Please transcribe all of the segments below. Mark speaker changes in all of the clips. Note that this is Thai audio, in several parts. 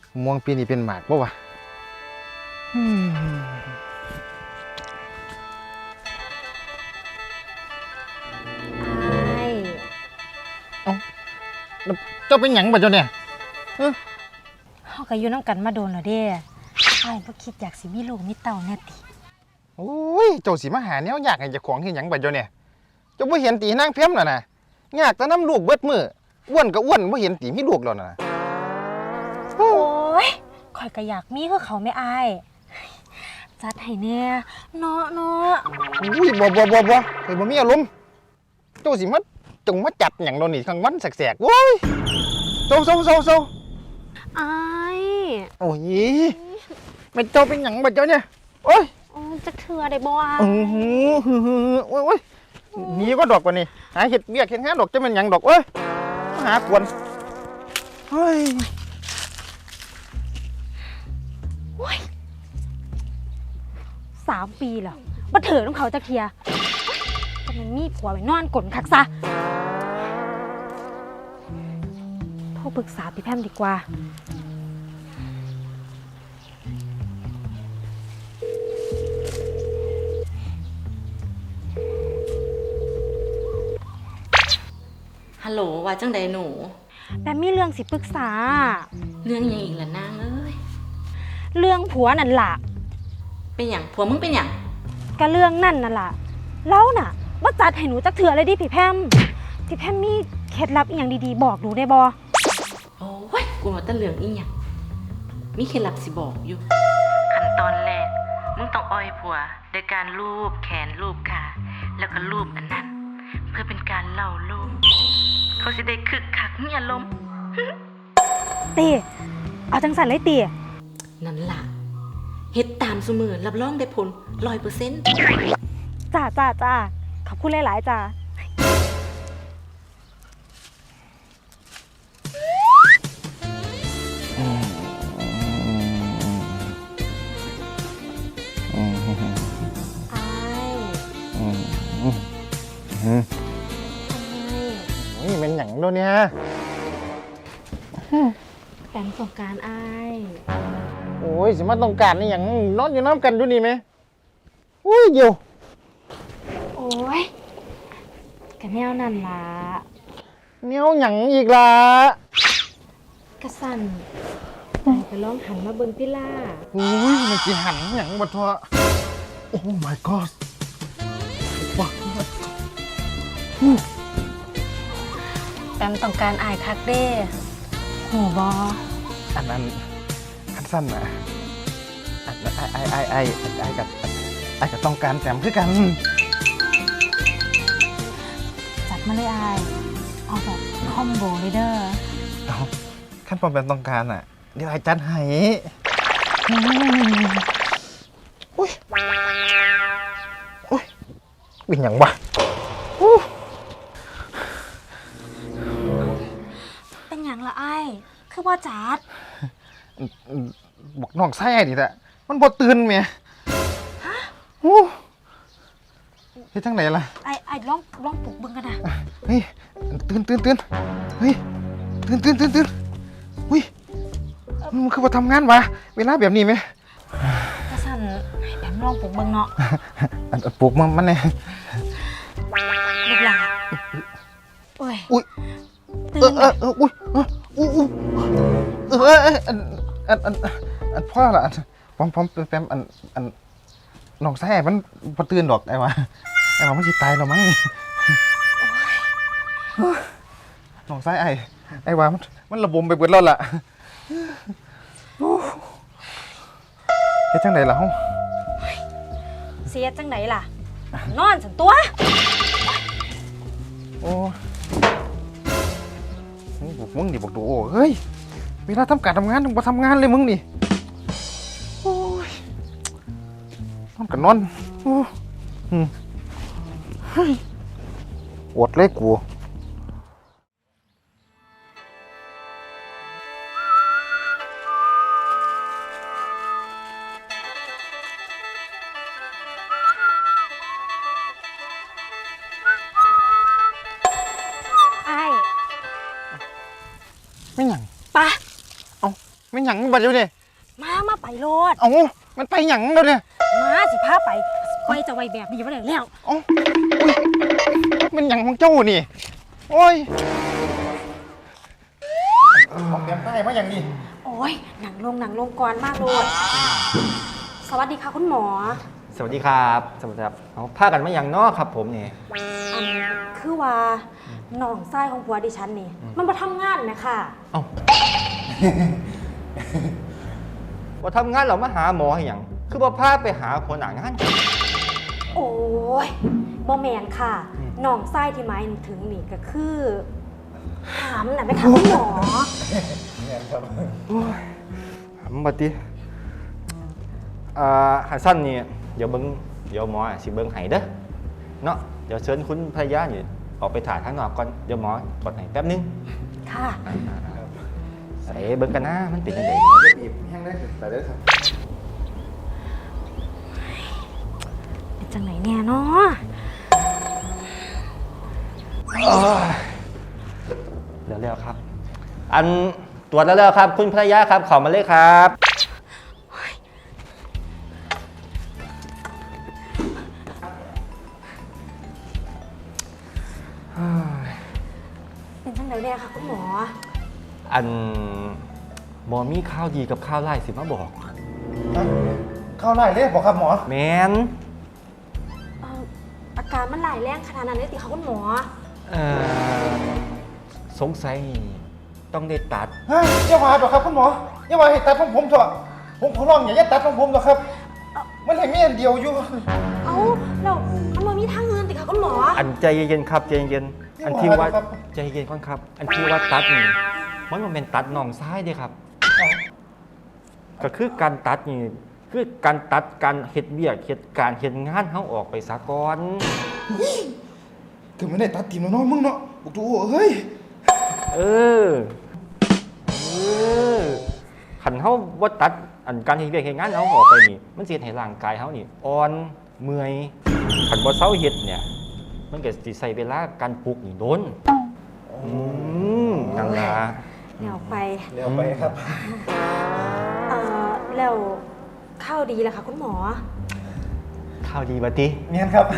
Speaker 1: ม่วงปีนี้เป็นหมากปะวะ
Speaker 2: ไอ้
Speaker 1: เจ้าเป็นหยังบ่เจ้าเนี่ย
Speaker 2: เฮาก็อยู่นำกันมาโดนแล้วเด้ไอ้บ่คิดอยากสิมีลูกมีเต้าแน่ติ
Speaker 1: โอ้ยเจ้าสิมาหาแนวอยากให้เจ้าของเฮ็ดหยังบ่เจ้าเนี่ยเจ้าบ่เห็นตีนางเพี้ยมน่ะนะยากแต่น้ำลูกเบิดมื้ออ้วนก็อ้วนบ่เห็นตีมีลูกแล้วน่ะ
Speaker 2: โอ้ยข่อยก็อยากมีคือเขาไม่อายจัดให้แน่เนาะ
Speaker 1: อุ้ยบ่เคยบ่มีอารมณ์เจ้าสิมาจงมาจัดหยังโดนนี่กลางวันแสกๆโว้ยโซ
Speaker 2: อาย
Speaker 1: โอ้ยไม่เจ้าเป็นหยังบ่เจ้าเนี่ยโอ้ย
Speaker 2: จักเทื่อได้บ่อ่ะ
Speaker 1: โอ้ยหนีก็ดอกกว่านี่หาเห็ดเบี้ยเห็ดงานดอกจะเป็นหยังดอกเอ้ยหากวนเฮ้ย
Speaker 2: 3 ปีแล้วบ่เถิดของเขาจักเทียแต่มันมีผัวไปนอนกลนคักซะโทรปรึกษาพี่แพมดีกว่า
Speaker 3: ฮัลโหลว่าจังใดหนู
Speaker 2: แต่มีเรื่องสิปรึกษา
Speaker 3: เรื่องยังอีกล่ะนางเอ้ย
Speaker 2: เรื่องผัวนั่นล่ะ
Speaker 3: เป็นหยังผัวมึงเป็นหยัง
Speaker 2: ก็เรื่องนั่นน่ะล่ะแล้วน่ะว่าจัดให้หนูจักเถื่อเลยดิพี่แพมมีเคล็ดลับอีหยังดีๆบอกหนูได้บ่
Speaker 3: โอ้ยกูว่าแต่เรื่องอีหยังมีเคล็ดลับสิบอกอยู่ขั้นตอนแรกมึงต้องอ้อยผัวโดยการลูบแขนลูบขาแล้วก็ลูบอันนั้นเพื่อเป็นการเล่าโลมเขาสิได้คึกคักมีอารมณ์
Speaker 2: ตีเอาจังสันเลยตี
Speaker 3: นั่นล่ะเฮ็ดตามซุมื้อรับรองได้ผล 100%
Speaker 2: จ้าขอบคุณหลายๆจ้า
Speaker 1: นี่เป็นหยังโดนเนี่ย
Speaker 2: แปมสงการอ้าย
Speaker 1: โอ้ยสิมาต้องการนี่หยังนอนอยู่น้ำกันดูนี่ไหมอุ้ยเดี๋ยว
Speaker 2: โอ้ยกะแนวนั่นล่ะ
Speaker 1: เนี้ยหยังอีกล่ะ
Speaker 2: กะสั่นไปลองหันมาเบิ่งติล่า
Speaker 1: อุ้ยมันสิหันหยังบ่ทั่วโอ้ my god ว้า
Speaker 2: แปมต้องการอ้ายคักเด้โหบ่
Speaker 1: อันนั้นคันสั้นนะไอ้กับต้องการแต้มคือกัน
Speaker 2: จัดมาเลยอ้ายเอาแบบคอมโบเลยเด้อ
Speaker 1: เอาขั้นตอนเป็นต้องการอ่ะเดี๋ยวไอ้จัดให้อุ้ยเป็นหยังวะ
Speaker 2: เป็นหยังละอ้ายคือว่าจัด
Speaker 1: บอกน้องไส้ดิแหละมันบ่ตื่นเมียเฮ้ยจังไหนล่ะ
Speaker 2: ไอ้ลองปลุกเบิ่งกันนะ
Speaker 1: เฮ้ยตื่นเฮ้ยตื่นอุ้ยมันคือมาทำงานวะเวลาแบบนี้ไหม
Speaker 2: กระสันแปมลองปลุกเบิ่งเนาะ
Speaker 1: ปลุกมันเนี่ย
Speaker 2: ลูกหลานโอ้ย
Speaker 1: อุ้ยอุ้ยพ่อละพร้อมแปมน้องแซ่มันพอตื่นดอกไอ้วะมันสิตายแล้วมั้งน้องแซ่ไอ้วะมันระบมไปเบิดแล้วล่ะเฮ็ดจังไดล่ะเฮา
Speaker 2: เสียจังไดล่ะนอนสันตัว
Speaker 1: โอ้มึงนี่บอกดูโอ้เฮ้ยเวลาทำการทำงานต้องมาทำงานเลยมึงนี่โอ้ยนอนกันนอนโอ้เฮ้ยอดเลยกูไม่หยัง
Speaker 2: ปะ
Speaker 1: เอาไม่หยังบัดเดี๋ยวนี้
Speaker 2: มาไปโลด
Speaker 1: เอ้ามันไปหยังแล้วเนี่ย
Speaker 2: มาสิพาไปไว้จะไว้แบบนี้บ่ได้แล้ว
Speaker 1: เอ้าอุ้ยมันหยังของเจ้านี่โอ้ยของแก้มใต้มาอย่างนี้
Speaker 2: โอ้ยหนังลงก่อนมากโลดสวัสดีค่ะคุณหมอ
Speaker 4: สวัสดีครับสวัสดีครับเอาพากันมาอย่างนอกครับผมนี่
Speaker 2: คือว่าน้องไส้ของผัวดิฉันนี่มันมาทำงานไหมค่ะ
Speaker 4: เอ้า ว่าทำงานเรามาหาหมอให้หยังคือว่าพาไปหาคนหนางาน
Speaker 2: โอ้ยบ่แมนค่ะน้องไส้ที่หมายถึงนี่ก็คือหามน่ะไหมคะคุณหมอ
Speaker 4: บัดนี้หันสั้นนี่เดี๋ยวหมอสิเบิ้งให้เด้อเนาะเดี๋ยวเชิญคุณภรรยานี่ออกไปถ่ายข้างนอกก่อนเดี๋ยวหมอกดให้แป๊บนึง
Speaker 2: ค่ะ
Speaker 4: ใส่เบิ้งกันนะมันเป็นยังไง
Speaker 1: บีบแห้งได้แต่เด้อครับ
Speaker 2: เป็นจังไหนแน่เนาะ
Speaker 4: แล้วครับ อันตรวจแล้วครับคุณภรรยาครับขอมาเลยครับ
Speaker 2: เป็นจังไหนแน่ค่ะคุณหมอ
Speaker 4: อันหมอมีข้าวดีกับข้าวไล่สิมาบอก
Speaker 1: เข้าไล่เลยบอกครับหมอ
Speaker 4: แมน
Speaker 2: อาการมันหลายแรงขนาดนั้นเลยติคะคุณหมอ
Speaker 4: เอ่อสงสัยต้องได้ตัด
Speaker 1: ฮะอย่าว่าดอกครับคุณหมออย่าว่าให้ตัดของผมเถอะผมขอร้องอย่าตัดของผมหรอกครับ มันให้แม่อันเดียวอยู่
Speaker 2: เอ้าแล้วมันบ่มีทางเงินติคะคุณหมอ
Speaker 4: อันใจเย็นๆครับใจเย็นๆอันที่ว่าใจเย็นก่อนครับ อันที่ว่าตัดนี่มันเป็นตัดน่องซ้ายเด้ครับ ก็คือการตัดนี่คือการตัดการเฮ็ดเวียกเฮ็ดการเฮ็ดงานเฮาออกไปซะก่อน
Speaker 1: ถึงไม่ได้ตัดทีมแล้วเนาะมึงเนาะบอกดูเฮ้ย
Speaker 4: เออขันเฮาบ่ตัดอันการเฮ็ดเวียกเฮ็ดงานเฮาออกไปนี่มันสิเฮ็ดให้ร่างกายเฮานี่อ่อนเมื่อยขันบ่เซาเฮ็ดเนี่ยมันก็สิใช้เวลาการปลุกนี่โดนนั่นล่ะ
Speaker 2: แล้วไป
Speaker 1: เร็วไปครับ
Speaker 2: แล้วข้าวดีแล้วค่ะคุณหมอ
Speaker 4: ข้าวดีบัดติ
Speaker 1: เนียนครับ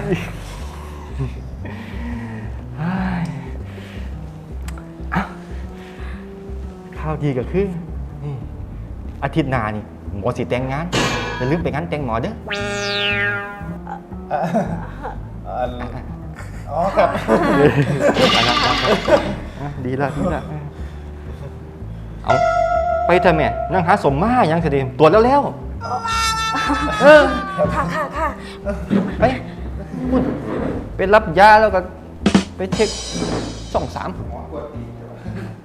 Speaker 4: ข้าวดีก็คือนี่อาทิตย์หน้านี่หมอสิแต่งงานอย่าลืมไปงานแต่งหมอเด้อ
Speaker 1: อ๋อครับ
Speaker 4: ดีละเอาไปเถอะแม่นั่งหาสมมายังเสด็จตรวจแล้วเออ
Speaker 2: ค่ะ
Speaker 4: ไปพูดไปรับยาแล้วก็ไปเช็ค2-3